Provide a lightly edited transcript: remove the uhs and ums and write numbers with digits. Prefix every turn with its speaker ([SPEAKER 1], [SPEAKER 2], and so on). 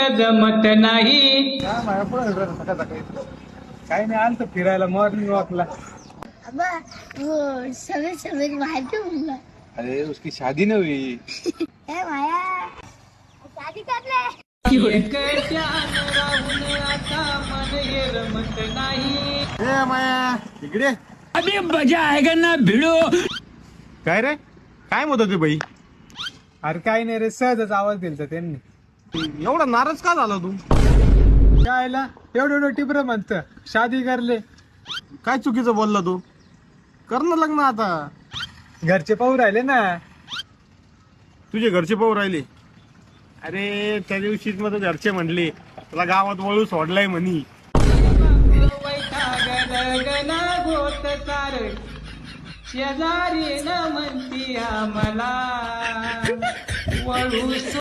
[SPEAKER 1] जमत नाही.
[SPEAKER 2] काही नाही आलं फिरायला मॉर्निंग वॉकला.
[SPEAKER 3] अबा वो सवेरे सवेरे बाहर क्यों घूमना?
[SPEAKER 2] अरे उसकी शादी नहीं हुई.
[SPEAKER 3] ए माया शादी कर ले.
[SPEAKER 1] एकट्यानं राहून आता मन हे रमत नाही.
[SPEAKER 2] ए माया इकडे.
[SPEAKER 1] अभी मजा आएगा ना भिडो.
[SPEAKER 2] काय रे काय म्हणत होते बाई? अरे काय नाही रे सहजच आवाज दिलता त्यांनी. एवढा नाराज का झाला तू? कायला एवढं एवढं टिपर म्हणत शादी करले. काय चुकीचं बोलला तू? कर ना लग्न आता. घरचे पाहू राहिले ना. तुझे घरचे पाहू राहिले? अरे त्या दिवशीच मग घरचे म्हणले तुला गावात वळू सोडलाय म्हणी.
[SPEAKER 1] गना गोत सार शेजारी न म्हणती आम्हाला वळू